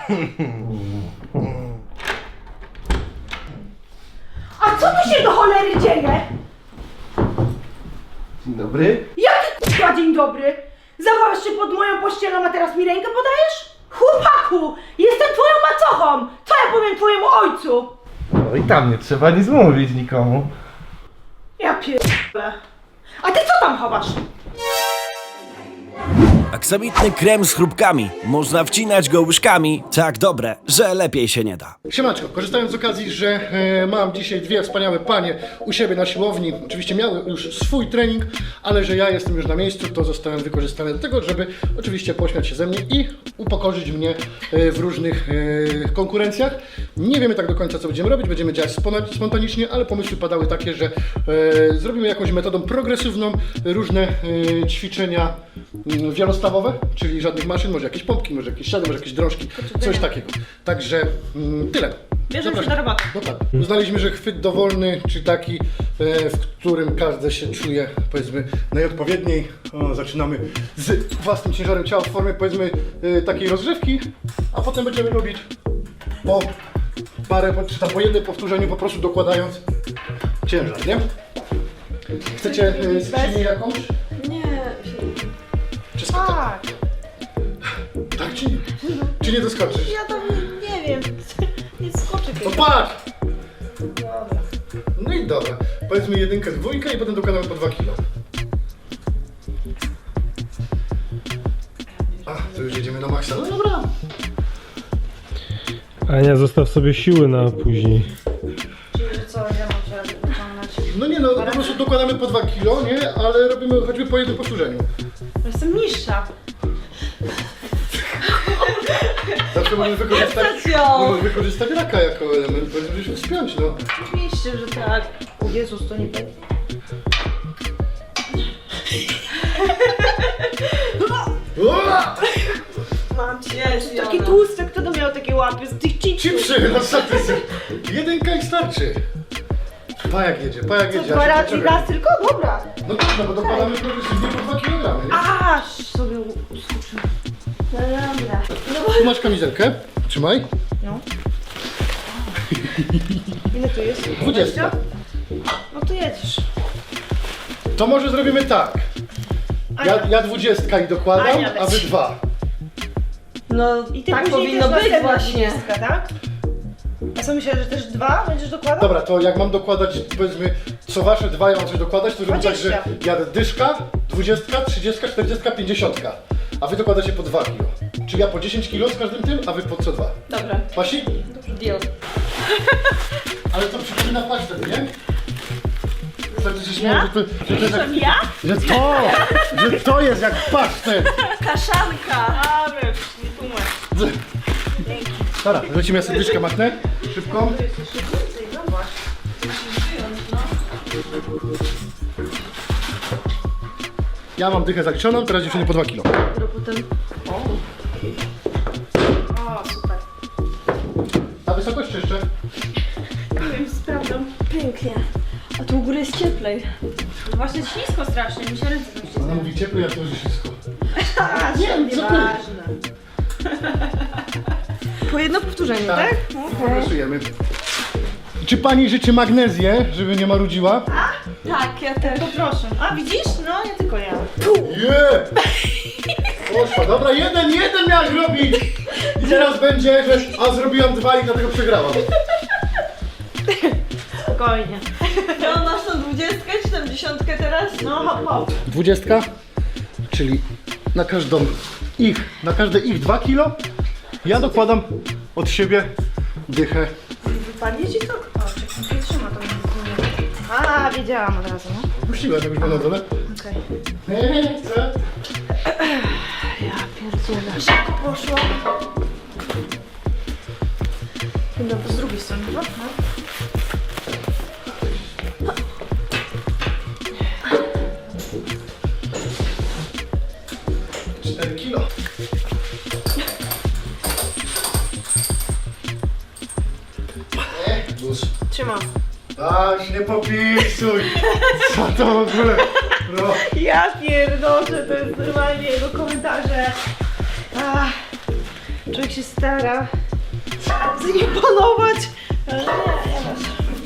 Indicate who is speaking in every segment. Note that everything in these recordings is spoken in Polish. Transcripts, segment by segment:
Speaker 1: A co tu się do cholery dzieje?
Speaker 2: Dzień dobry.
Speaker 1: Jaki k***a dzień dobry? Zawarłeś się pod moją pościelą, a teraz mi rękę podajesz? Chłopaku, jestem twoją macochą! Co ja powiem twojemu ojcu?
Speaker 2: No i tam nie trzeba nic mówić nikomu.
Speaker 1: Ja pierdolę. A ty co tam chowasz?
Speaker 3: Aksamitny krem z chrupkami. Można wcinać go łyżkami. Tak dobre, że lepiej się nie da.
Speaker 4: Siemaczko, korzystając z okazji, że mam dzisiaj dwie wspaniałe panie u siebie na siłowni. Oczywiście miały już swój trening, ale że ja jestem już na miejscu, to zostałem wykorzystany do tego, żeby oczywiście pośmiać się ze mnie i upokorzyć mnie w różnych konkurencjach. Nie wiemy tak do końca, co będziemy robić, będziemy działać spontanicznie, ale pomysły padały takie, że zrobimy jakąś metodą progresywną różne ćwiczenia wielostawowe, czyli żadnych maszyn, może jakieś pompki, może jakieś siady, może jakieś drążki, coś takiego. Także tyle.
Speaker 1: Bierzemy się do roboty.
Speaker 4: No tak. Uznaliśmy, że chwyt dowolny, czy taki, w którym każdy się czuje, powiedzmy, najodpowiedniej. Zaczynamy z własnym ciężarem ciała w formie, powiedzmy, takiej rozgrzewki, a potem będziemy robić po parę, czy tam po jednym powtórzeniu, po prostu dokładając ciężar, nie? Chcecie skrzynię jakąś?
Speaker 1: Nie.
Speaker 4: Czy skakać?
Speaker 1: Tak.
Speaker 4: Tak czy nie? Czy nie doskoczysz?
Speaker 1: Ja tam nie wiem. Nie skoczę
Speaker 4: To patrz! No i dobra. Powiedzmy jedynkę, dwójkę i potem dokładamy po 2 kilo. A, to już jedziemy na maksa. No dobra.
Speaker 5: Ania, zostaw sobie siły na później.
Speaker 1: Czyli że co, ja mam się wyciągnąć?
Speaker 4: No nie no, po prostu dokładamy po 2 kilo, nie? Ale robimy choćby po jednym powtórzeniu.
Speaker 1: Jestem niższa.
Speaker 4: Zawsze możesz wykorzystać,
Speaker 1: Stacją.
Speaker 4: możesz wykorzystać raka jako element, bo żeby się wspiąć, no.
Speaker 1: Oczywiście, że tak. O Jezus, to nie będzie.
Speaker 4: Ua!
Speaker 1: Mam cię. Taki tłusty, kto to miał takie łapy z tych chipsów?
Speaker 4: Chipsy, no co ty sobie? Jedynka i starczy. Pajak jedzie, pajak jedzie.
Speaker 1: Dwa
Speaker 4: ja się
Speaker 1: razy
Speaker 4: poczekam.
Speaker 1: raz tylko? Dobra.
Speaker 4: No tak, no bo dokładamy progresywnie po 2 kg, nie?
Speaker 1: Aż sobie uskoczyłem. No dobra.
Speaker 4: Tu masz kamizelkę, trzymaj.
Speaker 1: No. Ile tu jest?
Speaker 4: 20.
Speaker 1: No to jedziesz.
Speaker 4: To może zrobimy tak. Ja 20 i dokładam,
Speaker 1: Ania
Speaker 4: a wy
Speaker 1: leci.
Speaker 4: 2.
Speaker 6: No
Speaker 1: I ty
Speaker 6: tak
Speaker 1: później
Speaker 6: powinno
Speaker 1: też
Speaker 6: być
Speaker 1: następna
Speaker 6: właśnie.
Speaker 1: 20, tak? A co myślałeś, że też 2 będziesz dokładał?
Speaker 4: Dobra, to jak mam dokładać, powiedzmy, co wasze 2 ja mam coś dokładać, to zrobię tak, że
Speaker 1: 20.
Speaker 4: jadę dyszka, 20, 30, 40, 50. A wy dokładacie po 2 kg. Czyli ja po 10 kg z każdym tym, a wy po co 2.
Speaker 6: Dobra,
Speaker 4: Pasi?
Speaker 6: deal.
Speaker 4: Ale to przypomina pasztet, nie? Tak, że się śmieję, że to jest jak,
Speaker 1: Ja?
Speaker 4: że to jest jak pasztet.
Speaker 6: Kaszanka!
Speaker 1: A, wiesz, nie tłumacz.
Speaker 4: Dobra, lecimy, ja sobie dyszkę machnę. Szybko. Ja mam dychę zaliczoną, teraz dziewczyny po 2 kg.
Speaker 6: Potem...
Speaker 1: O, super.
Speaker 4: A wysokość czy jeszcze?
Speaker 1: Nie wiem, sprawdzam.
Speaker 6: Pięknie. A tu u góry jest cieplej.
Speaker 1: Właśnie ślisko strasznie, mi się ręce tam
Speaker 4: Ona mówi ciepło, ja to już wszystko.
Speaker 1: A,
Speaker 4: Nie, co ty?
Speaker 1: ważne.
Speaker 6: Po jedno powtórzenie,
Speaker 4: Tak.
Speaker 6: tak?
Speaker 4: Progresujemy. Czy pani życzy magnezję, żeby nie marudziła?
Speaker 6: Tak, ja też.
Speaker 1: Poproszę. A, widzisz? No, nie tylko ja.
Speaker 4: Nie! Poszła, dobra, jeden miałeś robić! I teraz będzie, że a zrobiłam 2 i dlatego przegrałam.
Speaker 1: Spokojnie.
Speaker 6: Ja masz tą 20, 70 teraz?
Speaker 1: No, hop, hop.
Speaker 4: 20, czyli na na każde ich 2 kilo ja dokładam od siebie dychę.
Speaker 1: Wypadnie ci to? O, czekaj, nie trzyma to. A, wiedziałam od razu, no.
Speaker 4: Puściłem, jak już było na dole.
Speaker 1: Okej.
Speaker 4: Co?
Speaker 1: Ja pierdzielę. Szybko poszło. Chyba z drugiej strony, no.
Speaker 4: 4 kilo. Luz.
Speaker 1: Trzymam.
Speaker 4: Aż nie popisuj! Co to w ogóle? No.
Speaker 1: Ja pierdolę, to jest normalnie jego komentarze. Ach.
Speaker 6: Człowiek się stara zaimponować, ale nie masz.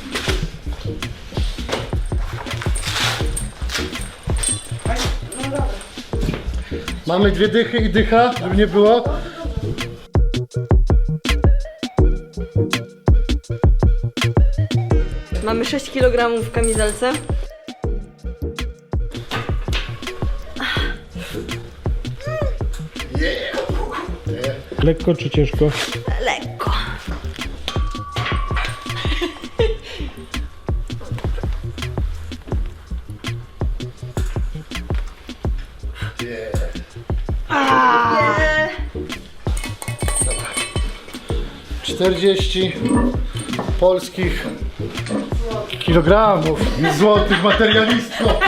Speaker 4: Mamy 2 dychy i dycha, żeby nie było.
Speaker 6: Mamy 6 kg w kamizelce.
Speaker 5: Lekko czy ciężko?
Speaker 6: Lekko. Yeah.
Speaker 4: 40 polskich kilogramów złotych materialistwo.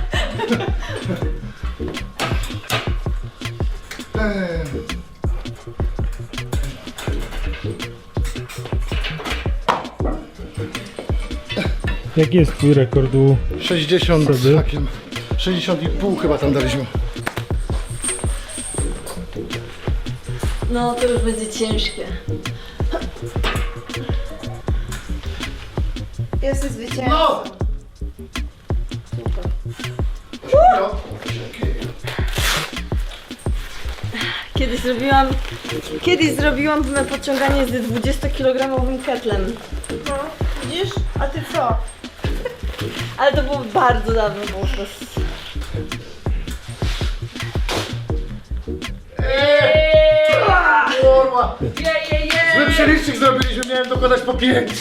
Speaker 5: Jaki jest twój rekord u
Speaker 4: 60,
Speaker 5: Wtedy?
Speaker 4: takim 60,5 chyba tam daliśmy.
Speaker 6: No to już będzie ciężkie.
Speaker 1: Jesteś zwycięzcą.
Speaker 4: No!
Speaker 6: Kiedyś zrobiłam podciąganie z 20-kilogramowym ketlem.
Speaker 1: No, widzisz? A ty co?
Speaker 6: Ale to było bardzo dawno, było to...
Speaker 4: Kurwa! Zły przelicznik zrobiliśmy, miałem dokładać po 5.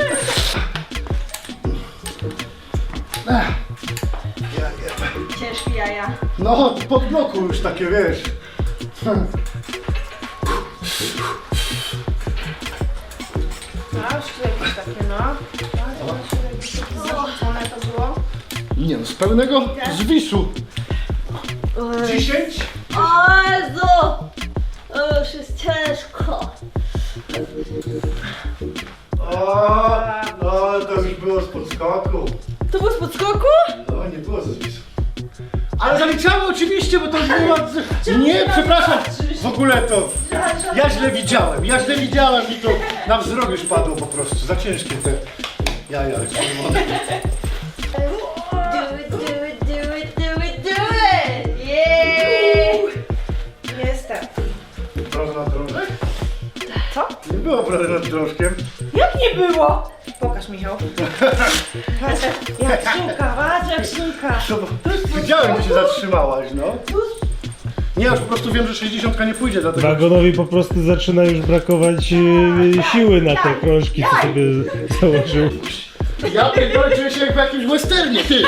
Speaker 6: Ciężkie jaja.
Speaker 4: No, pod bloku już takie, wiesz.
Speaker 1: A, jakieś takie, no. Zarzucone to było.
Speaker 4: Nie no, z pełnego zwisu. 10?
Speaker 6: O Jezu! To już jest ciężko.
Speaker 4: O, no to już było z podskoku.
Speaker 6: To było z podskoku?
Speaker 4: No, nie było ze zwisu. Ale zaliczamy oczywiście, bo to było... Nie, przepraszam, w ogóle to... Ja źle widziałem i to na wzrok już padło po prostu. Za ciężkie te jaja.
Speaker 6: Do it, do it, do it, do it, do it! Yeah!
Speaker 1: Jestem.
Speaker 4: Proszę na drążek?
Speaker 1: Co?
Speaker 4: Nie było prawie nad drążkiem.
Speaker 1: Jak nie było? Pokaż, Michał. Patrz, jak szynka, patrz jak szynka.
Speaker 4: Widziałem, że się zatrzymałaś, no. Nie, już po prostu wiem, że 60 nie pójdzie, dlatego...
Speaker 5: Wagonowi po prostu zaczyna już brakować siły na te krążki, co sobie założył.
Speaker 4: Ja pierdolę, czuję się jak w jakimś westernie, ty!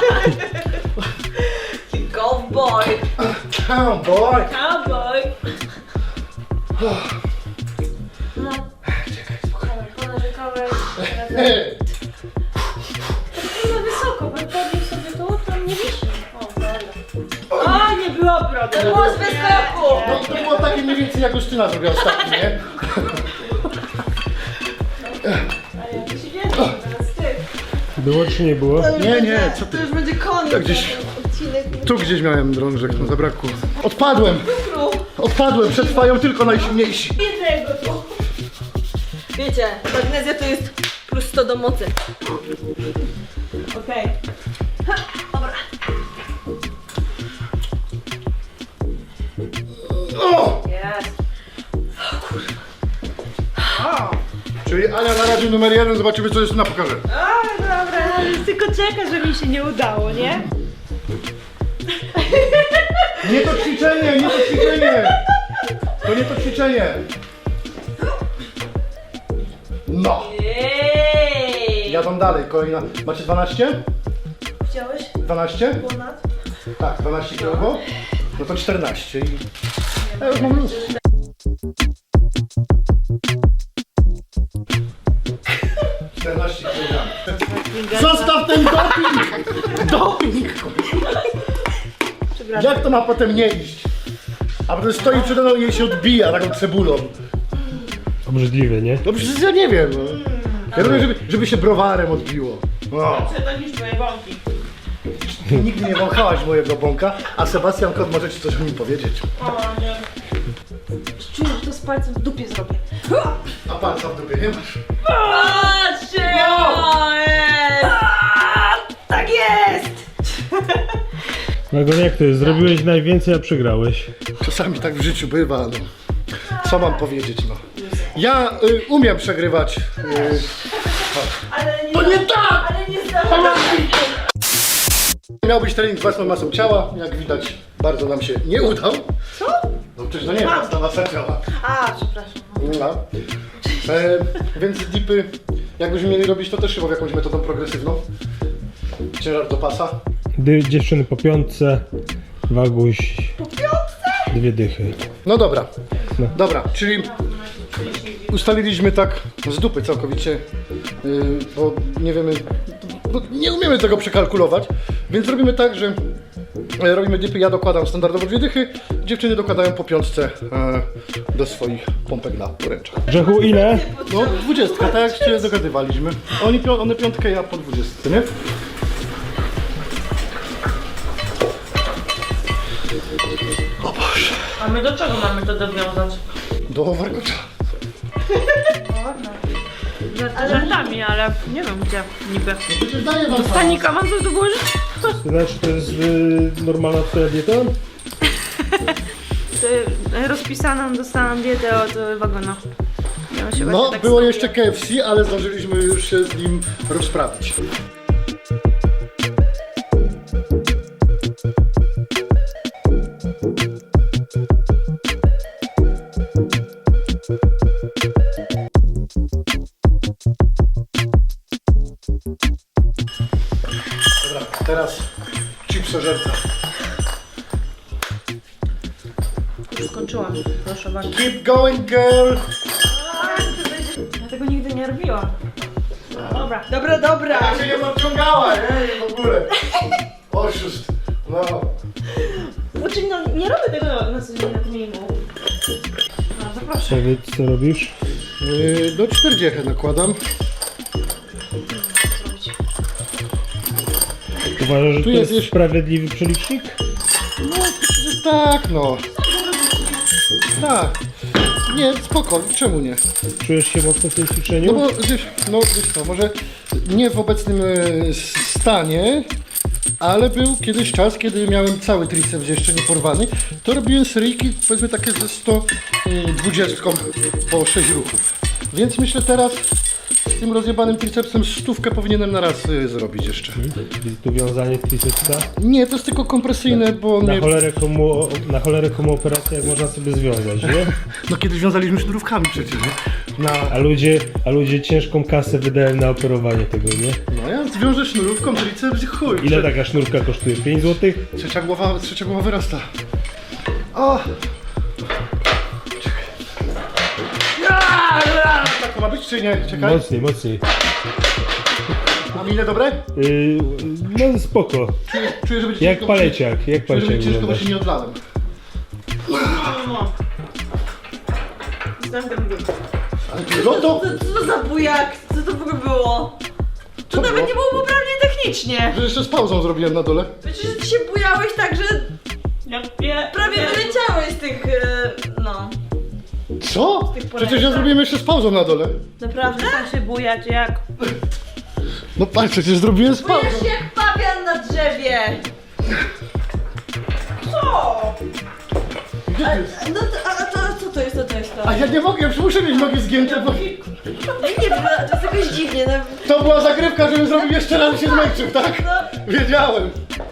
Speaker 6: Cowboy!
Speaker 4: Cowboy!
Speaker 6: Cowboy! No. Ponarzekałeś. Na wysoko, bo podnieś sobie to, tam nie wisi. O, dobra.
Speaker 1: O, nie było brody.
Speaker 6: To było z wyskoku!
Speaker 4: No to było takie mniej więcej jak Justyna zrobiła ostatnio, nie?
Speaker 1: Ale ja to się wiem, teraz ty.
Speaker 5: Było czy nie było?
Speaker 4: Nie, co
Speaker 6: To
Speaker 4: ty?
Speaker 6: już będzie koniec.
Speaker 4: Tak gdzieś-
Speaker 6: ten odcinek.
Speaker 4: Tu gdzieś miałem drążek, no zabrakło. Odpadłem, przetrwają tylko najsilniejsi.
Speaker 1: Jednego tu.
Speaker 6: Wiecie, magnezja to jest plus 100 do mocy.
Speaker 1: Okej.
Speaker 6: Dobra.
Speaker 4: O!
Speaker 1: Jest. O,
Speaker 4: Czyli Ania na razie numer 1, zobaczymy co Justyna pokaże.
Speaker 1: o, dobra, ale tylko czeka, że mi się nie udało, nie?
Speaker 4: Nie to ćwiczenie, nie to ćwiczenie! To nie to ćwiczenie! No!
Speaker 6: Jej!
Speaker 4: Jadą dalej, kolejna. Macie 12?
Speaker 1: Chciałeś?
Speaker 4: 12?
Speaker 1: Ponad?
Speaker 4: Tak, 12 kg. No to 14 i... Ja już mam luz. Zostaw ten doping! Doping! Jak to ma potem nie iść? A potem stoi przede mną i jej się odbija taką cebulą.
Speaker 5: Obrzydliwe, nie?
Speaker 4: No przecież ja nie wiem. No. Ja robię, żeby się browarem odbiło. No.
Speaker 1: Przetonisz twoje bąki.
Speaker 4: Nigdy nie wąchałaś mojego bąka, a Sebastian Kot może ci coś o nim powiedzieć.
Speaker 1: O, nie. Czuję, że to jest palcem w dupie zrobię.
Speaker 4: A palca w dupie nie masz?
Speaker 6: Patrzcie!
Speaker 1: Tak jest!
Speaker 5: Wagon, jak to jest? Zrobiłeś najwięcej, a przegrałeś.
Speaker 4: Czasami tak w życiu bywa, no. Co mam powiedzieć, no. Ja umiem przegrywać.
Speaker 1: Ale nie,
Speaker 4: To nie tak!
Speaker 1: ale nie zdarzyło się.
Speaker 4: Miał być trening z własną masą ciała, jak widać bardzo nam się nie udał.
Speaker 1: Co?
Speaker 4: No przecież to nie jest własna masa ciała.
Speaker 1: A, przepraszam.
Speaker 4: No. Więc dipy, jakbyśmy mieli robić to też chyba jakąś metodą progresywną. Ciężar do pasa.
Speaker 5: Dziewczyny po piątce, Waguś... Po piątce? 2 dychy.
Speaker 4: No dobra, dobra, czyli ustaliliśmy tak z dupy całkowicie, bo nie wiemy, bo nie umiemy tego przekalkulować, więc robimy tak, że robimy dipy, ja dokładam standardowo 2 dychy, dziewczyny dokładają po piątce do swoich pompek na poręczach.
Speaker 5: Grzechu, ile?
Speaker 4: No 20, tak jak się dogadywaliśmy. One piątkę, ja po 20, nie? O Boże.
Speaker 6: A my do czego mamy to dowiązać?
Speaker 4: Do warkocza.
Speaker 6: Żartami, ale nie wiem gdzie niby.
Speaker 4: Przecież daję wam
Speaker 6: Panika, mam coś do głowy?
Speaker 5: To znaczy, to jest normalna twoja dieta?
Speaker 6: Rozpisaną dostałam dietę od Wagona. Ja się
Speaker 4: No,
Speaker 6: właśnie tak
Speaker 4: było
Speaker 6: skupiłam.
Speaker 4: jeszcze KFC, ale zdążyliśmy już się z nim rozprawić. Dobra, teraz chipsożerca.
Speaker 6: Już skończyłam, proszę bardzo.
Speaker 4: Keep going, girl!
Speaker 6: Ja tego nigdy nie robiłam. Dobra.
Speaker 1: Dobra.
Speaker 4: Ja się nie podciągała, nie? W ogóle. Oszust. No.
Speaker 1: Znaczy, no nie robię tego na co dzień na treningu.
Speaker 6: No, zapraszam.
Speaker 5: Co robisz?
Speaker 4: Do 40 nakładam.
Speaker 5: Uważasz, że
Speaker 4: Tu
Speaker 5: to
Speaker 4: jest
Speaker 5: jest
Speaker 4: jeszcze-
Speaker 5: sprawiedliwy przelicznik?
Speaker 4: Tak, no. Tak. Nie, spoko, czemu nie?
Speaker 5: Czujesz się mocno w tym ćwiczeniu?
Speaker 4: No bo wiesz co, może nie w obecnym stanie, ale był kiedyś czas, kiedy miałem cały triceps jeszcze nie porwany, to robiłem seryjki, powiedzmy takie ze 120 po 6 ruchów. Więc myślę teraz z tym rozjebanym tricepsem 100 powinienem na raz zrobić jeszcze.
Speaker 5: Tu wiązanie tricepsa.
Speaker 4: Nie, to jest tylko kompresyjne, bo
Speaker 5: Na
Speaker 4: nie...
Speaker 5: cholerę komu operację, jak można sobie związać, nie?
Speaker 4: No kiedyś wiązaliśmy sznurówkami przecież, nie?
Speaker 5: A ludzie ciężką kasę wydają na operowanie tego, nie?
Speaker 4: No ja zwiążę sznurówką triceps i chuj.
Speaker 5: Ile taka sznurka kosztuje? 5 zł?
Speaker 4: Trzecia głowa wyrasta. O! Tak to ma być czy nie? Czekaj.
Speaker 5: Mocniej.
Speaker 4: Mam ile dobre?
Speaker 5: No spoko.
Speaker 4: Czuję, że będzie
Speaker 5: Jak
Speaker 4: ciężko,
Speaker 5: paleciak,
Speaker 4: Czuję, że będzie ciężko, bo
Speaker 5: wyglądasz.
Speaker 4: się nie odlałem. No to...
Speaker 6: Co to za bujak? Co to w ogóle było?
Speaker 4: Co
Speaker 6: Nawet
Speaker 4: było?
Speaker 6: nie było poprawnie technicznie.
Speaker 4: Że jeszcze z pauzą zrobiłem na dole.
Speaker 6: Przecież ty się bujałeś tak, że prawie wyleciałeś z tych, no.
Speaker 4: Co? Przecież ja zrobiłem jeszcze z pauzą na dole.
Speaker 6: Naprawdę? Chcę się bujać jak...
Speaker 4: No patrz, przecież zrobiłem z pauzą.
Speaker 6: Bujesz się jak pawian na drzewie. Co?
Speaker 4: Gdzie ty jest?
Speaker 6: No to, a to co to jest, to jest to?
Speaker 4: A ja nie mogę, już muszę mieć nogi zgięte, bo...
Speaker 6: Ja nie wiem, to jest jakoś dziwnie, no.
Speaker 4: To była zagrywka, żebym zrobił jeszcze raz i się zmęczył, tak? Wiedziałem.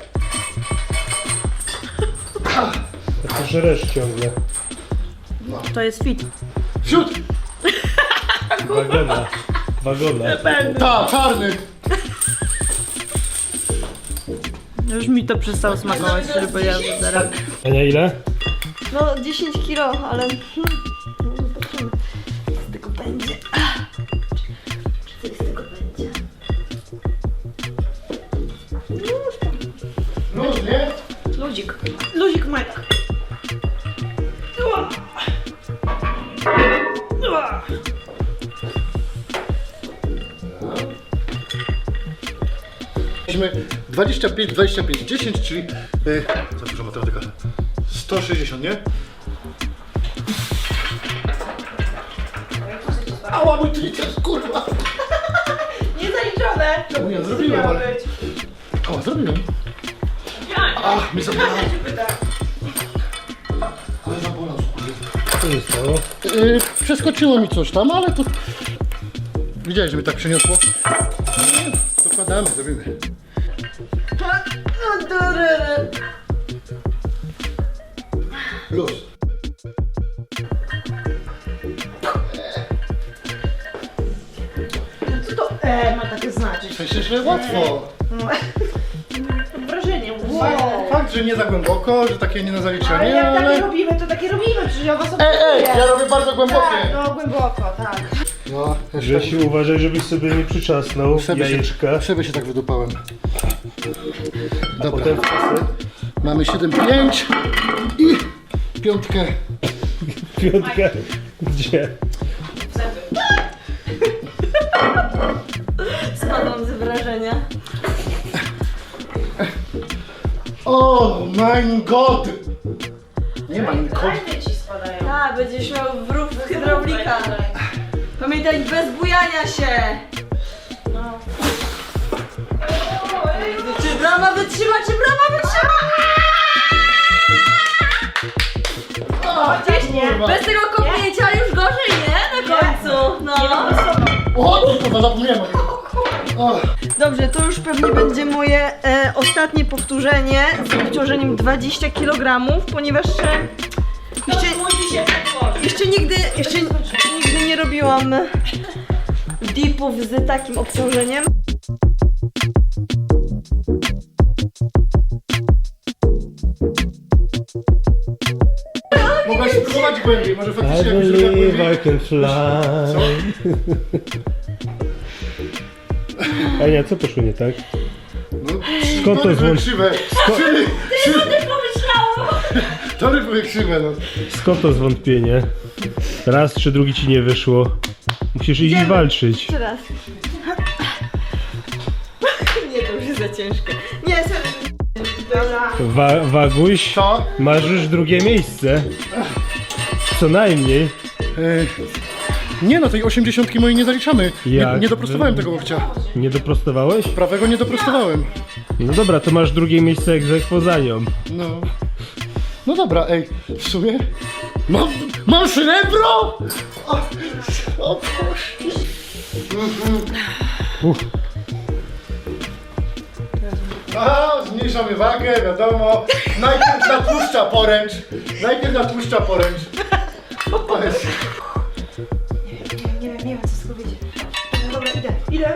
Speaker 5: To żresz ciągle.
Speaker 6: To jest fit.
Speaker 4: Wsiód!
Speaker 5: Wagona.
Speaker 4: Ta, czarny.
Speaker 6: Już mi to przestało smakować, żeby ja zaraz...
Speaker 5: Ania, ile?
Speaker 6: No 10 kilo, ale... No zobaczymy. Co z tego będzie. Czy coś z tego będzie?
Speaker 4: Luz, nie?
Speaker 6: Ludzik.
Speaker 1: Luzik Majka.
Speaker 4: Mieliśmy 25, 25, 10, czyli... za dużo matematyka. 160, nie? Ała, mój triceps, kurwa!
Speaker 1: Niezaliczone!
Speaker 4: Czemu ja zrobiłem,
Speaker 1: Miało
Speaker 4: ale...
Speaker 1: być.
Speaker 4: Ała, zrobiłem. Ach, mnie zabolało. Ale zabolało, kurwa.
Speaker 5: Co się stało?
Speaker 4: Przeskoczyło mi coś tam, ale to... Widziałeś, że mnie tak przeniosło? Nie, dokładamy, zrobimy. Luz.
Speaker 1: Co to ma takie znaczyć?
Speaker 4: W sensie, że łatwo.
Speaker 1: No. Mam wrażenie.
Speaker 4: Fakt, że nie za głęboko, że takie nie na
Speaker 1: Ale
Speaker 4: zaliczenie,
Speaker 1: jak takie
Speaker 4: ale...
Speaker 1: robimy, to takie robimy, przecież ja was
Speaker 4: Ja robię bardzo
Speaker 1: Tak,
Speaker 4: głębokie.
Speaker 1: no głęboko, tak.
Speaker 4: No,
Speaker 5: Grzesiu, uważaj, żebyś sobie nie przyczasnął jajeczka.
Speaker 4: Sobie się tak wydupałem. Dobra,
Speaker 5: Potem w kasę.
Speaker 4: mamy 7,5 i piątkę.
Speaker 5: Piątka. Gdzie?
Speaker 6: Spadłam z wrażenia.
Speaker 4: O, mein Gott! Nie mein Gott.
Speaker 1: Fajne ci spadają.
Speaker 6: Tak, będziesz miał wrób hydraulika. Pamiętaj, bez bujania się.
Speaker 1: No.
Speaker 6: Czy brama wytrzyma, czy brama wytrzyma?
Speaker 1: Gdzieś nie.
Speaker 4: Kurwa.
Speaker 6: Bez tego kopnięcia już gorzej, nie? Na końcu. No.
Speaker 4: O, kurwa, zapomniałem o tym. O,
Speaker 6: Dobrze, to już pewnie będzie moje ostatnie powtórzenie z obciążeniem 20 kg, ponieważ jeszcze nigdy nie robiłam dipów z takim obciążeniem.
Speaker 4: mogłaś spróbować głębiej, może
Speaker 5: I
Speaker 4: faktycznie jakbyś zrobiła
Speaker 5: believe
Speaker 4: głębiej.
Speaker 5: I can fly. Ania, co poszło nie tak?
Speaker 4: No,
Speaker 5: Skąd to
Speaker 4: tory były
Speaker 5: dzwon-
Speaker 4: krzywe. Tory były krzywe, no.
Speaker 5: Skąd to zwątpienie? Raz czy drugi ci nie wyszło. Musisz iść
Speaker 6: Idziemy.
Speaker 5: walczyć.
Speaker 6: Jeszcze raz. Nie, to już jest za ciężkie. Nie,
Speaker 1: Dobra.
Speaker 5: Waguś,
Speaker 4: Co?
Speaker 5: masz już drugie miejsce. Co najmniej.
Speaker 4: Nie no, tej 80 mojej nie zaliczamy. Nie,
Speaker 5: Jak?
Speaker 4: nie doprostowałem tego łokcia.
Speaker 5: Nie doprostowałeś?
Speaker 4: Prawego nie doprostowałem.
Speaker 5: No dobra, to masz drugie miejsce egzekwo za nią.
Speaker 4: No. No dobra, ej, w sumie... Mam srebro! O Boże. A, zmniejszamy wagę, wiadomo. Najpierw natłuszcza poręcz. To jest...
Speaker 1: Nie wiem co z tego wyjdzie. Dobra, idę.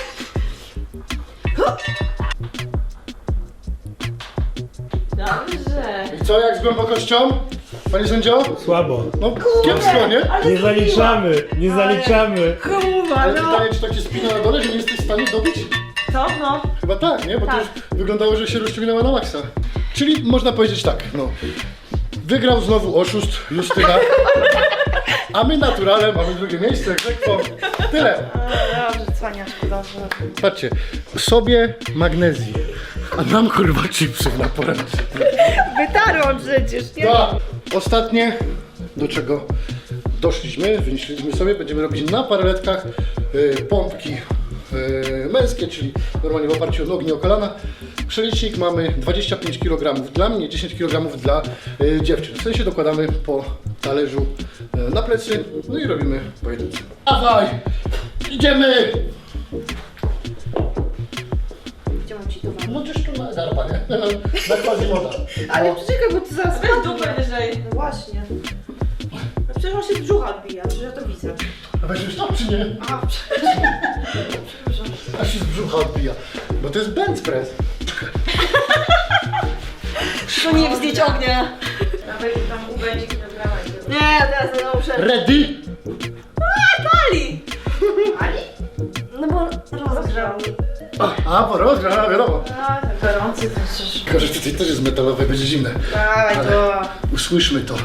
Speaker 6: dobrze.
Speaker 4: I co, jak z głębokością? Panie sędzio?
Speaker 5: Słabo.
Speaker 4: No, kiepsko, nie?
Speaker 5: Nie zaliczamy, nie zaliczamy.
Speaker 1: Hamuwa,
Speaker 4: Ale
Speaker 1: no.
Speaker 4: pytanie, czy tak się spina na dole, że nie jesteś w stanie dobić?
Speaker 1: Co? No.
Speaker 4: Chyba tak, nie? Bo to
Speaker 1: Tak.
Speaker 4: już wyglądało, że się rozciągnęła na maksa. Czyli można powiedzieć tak, no. Wygrał znowu oszust Justyna, a my naturalnie mamy drugie miejsce, egzekwo. Tyle.
Speaker 1: Dobrze, cwaniaczku, dobrze.
Speaker 4: Patrzcie, sobie magnezji, a nam kurwa chipsów na poręcz.
Speaker 1: Wytarłam przecież, nie?
Speaker 4: No, ostatnie, do czego doszliśmy, wymyśliliśmy sobie, będziemy robić na paraletkach pompki męskie, czyli normalnie w oparciu o nogi, o kolana. Przelicznik mamy 25 kg dla mnie, 10 kg dla dziewczyn. W sensie dokładamy po talerzu na plecy, no i robimy pojedyncze. Dawaj! Idziemy!
Speaker 1: Gdzie mam ci to wam?
Speaker 4: No gdzieś tu na garba, nie? Na Quasimoda.
Speaker 1: Ale poczekaj, bo ty zaraz
Speaker 6: Weź dupę wyżej.
Speaker 1: No właśnie. No przecież on się z brzucha odbija, przecież ja to widzę.
Speaker 4: A weźmiesz to czy nie?
Speaker 1: A,
Speaker 4: A się z brzucha odbija. Bo to jest bench press.
Speaker 6: To nie wznieć ognia.
Speaker 1: dawaj tam ubędzie kilograma i to
Speaker 6: Nie, ja teraz znowu muszę.
Speaker 4: Ready?
Speaker 6: Pali!
Speaker 1: Ali?
Speaker 6: No bo rozgrzał.
Speaker 4: Bo rozgra, wiadomo.
Speaker 1: A, tak gorący to przecież.
Speaker 4: Tylko, że tutaj też jest metalowe, będzie zimne.
Speaker 1: Dawaj to.
Speaker 4: Usłyszmy to.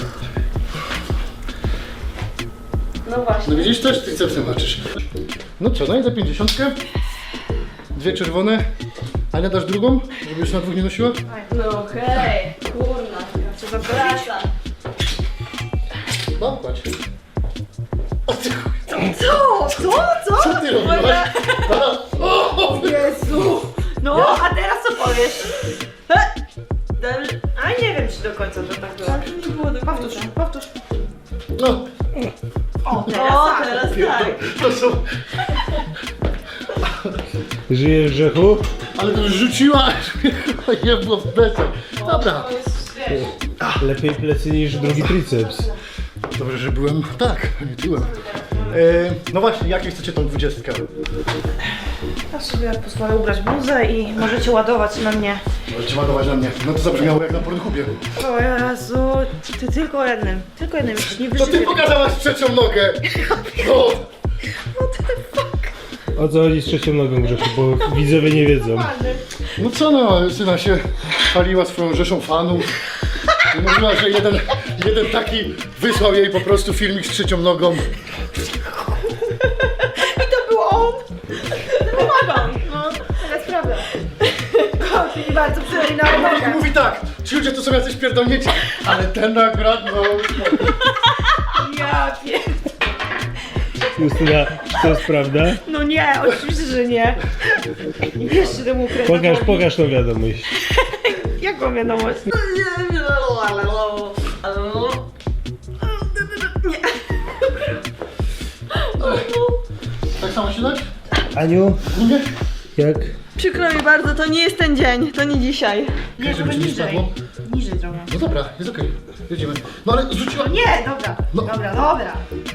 Speaker 6: No właśnie.
Speaker 4: No widzisz, też tricepsem walczysz. No co, no i za 50. Dwie czerwone. Ania, dasz drugą? Żeby już na dwóch nie nosiła?
Speaker 6: No okej. Kurna.
Speaker 1: Co za
Speaker 6: Praca.
Speaker 4: No, kładź. O ty chuj.
Speaker 1: Co?
Speaker 4: Co ty robiłaś? O!
Speaker 1: Jezu! No, a teraz co powiesz? Dobrze. A nie wiem, czy do końca to tak było.
Speaker 6: Nie było do
Speaker 1: Powtórz, powtórz.
Speaker 4: No,
Speaker 1: O,
Speaker 6: Teraz tak.
Speaker 4: to są...
Speaker 5: Żyjesz, Grzechu?
Speaker 4: Ale to już rzuciłaś, nie było w plecach. Dobra.
Speaker 5: Lepiej plecy niż drugi triceps.
Speaker 4: Dobrze, że byłem tak, a nie tyłem. No właśnie, jakie chcecie tą 20?
Speaker 1: Ja sobie pozwolę ubrać bluzę i możecie ładować na mnie.
Speaker 4: Możecie ładować na mnie. No to zabrzmiało jak na Pornhubie.
Speaker 1: O Jezu, ty tylko jednym. Tylko jednym, już nie
Speaker 4: To ty
Speaker 1: wyżyję.
Speaker 4: pokazałaś trzecią nogę. No.
Speaker 5: O co chodzi z trzecią nogą, Grzechu, bo widzowie nie wiedzą.
Speaker 4: No co no, syna się chwaliła swoją rzeszą fanów. I mówiła, że jeden taki wysłał jej po prostu filmik z trzecią nogą.
Speaker 1: I to był on! Pomagam! No, teraz prawda. Kocham nie bardzo przynajmniej na
Speaker 4: I
Speaker 1: nogach.
Speaker 4: mówi tak, ci ludzie to są jacyś pierdolnięci, ale ten akurat no...
Speaker 1: Ja wiem.
Speaker 5: Justyna, czy to jest prawda?
Speaker 1: No nie, oczywiście, że nie. Jeszcze temu ukrętowi.
Speaker 5: Pokaż tą wiadomość.
Speaker 1: Jaką wiadomość?
Speaker 4: Tak samo się dać?
Speaker 5: Aniu,
Speaker 4: Nie?
Speaker 5: jak?
Speaker 6: Przykro mi bardzo, to nie jest ten dzień, to nie dzisiaj.
Speaker 1: Nie,
Speaker 4: Żeby ci nie spadło?
Speaker 1: Niżej trochę.
Speaker 4: No dobra, jest okej, jedziemy. No ale zrzuciła...
Speaker 1: Nie, dobra.
Speaker 4: No.
Speaker 1: Dobra.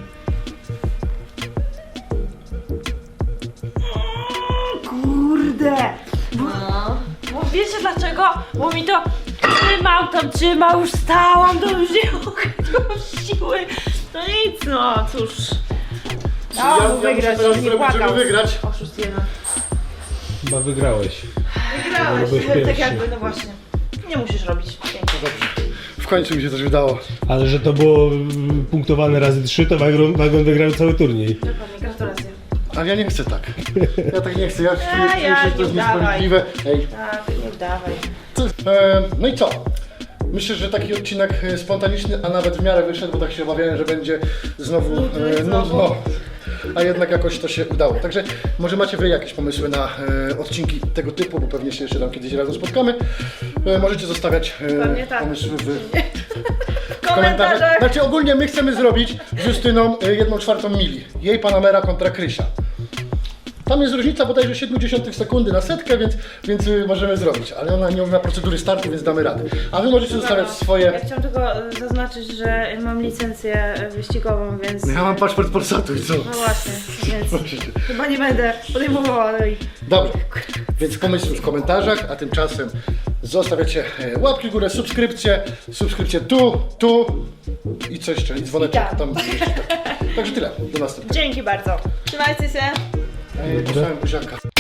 Speaker 1: Kurde. Bo wiecie dlaczego? Bo mi to trzymał, już stałam, to już nie mogę, to już siły. No nic, no cóż.
Speaker 4: Ja muszę
Speaker 1: wygrać,
Speaker 4: teraz
Speaker 1: nie
Speaker 4: zrobić,
Speaker 1: płakał.
Speaker 4: żeby wygrać.
Speaker 1: Oszust jeden.
Speaker 5: Chyba wygrałeś.
Speaker 1: Wygrałeś,
Speaker 5: byłeś
Speaker 1: tak
Speaker 5: pierwszy.
Speaker 1: jakby, no właśnie. Nie musisz robić. Pięknie.
Speaker 4: W końcu mi się coś udało.
Speaker 5: Ale że to było punktowane razy 3, to wagon wygrał cały turniej.
Speaker 1: Dokładnie, gratulacje.
Speaker 4: Ale ja nie chcę tak. Ja tak nie chcę, ja czuję,
Speaker 1: ja
Speaker 4: że to
Speaker 1: nie
Speaker 4: jest
Speaker 1: udawaj.
Speaker 4: niesprawiedliwe. Ej,
Speaker 1: Tak, nie dawaj.
Speaker 4: no i co? Myślę, że taki odcinek spontaniczny, a nawet w miarę wyszedł, bo tak się obawiałem, że będzie znowu nudno. A jednak jakoś to się udało. Także może macie wy jakieś pomysły na odcinki tego typu, bo pewnie się jeszcze tam kiedyś razem spotkamy. Możecie zostawiać
Speaker 1: Pewnie tak.
Speaker 4: pomysły w
Speaker 1: W komentarzach.
Speaker 4: Znaczy ogólnie my chcemy zrobić z Justyną 1/4 mili. Jej Panamera kontra Krysia. Tam jest różnica bodajże 0,7 sekundy na setkę, więc możemy zrobić. Ale ona nie umie procedury startu, więc damy radę. A wy możecie zostawiać swoje...
Speaker 1: Ja chciałam tylko zaznaczyć, że mam licencję wyścigową, więc...
Speaker 4: Ja mam paszport Polsatu i co?
Speaker 1: No właśnie, więc chyba nie będę podejmowała tej...
Speaker 4: Dobrze, więc pomysły w komentarzach, a tymczasem zostawiacie łapki w górę, subskrypcję tu i co jeszcze, i dzwoneczek
Speaker 1: I tak.
Speaker 4: tam. Także tyle, do następnego.
Speaker 1: Dzięki bardzo.
Speaker 6: Trzymajcie się.
Speaker 4: Posłałem buziaka.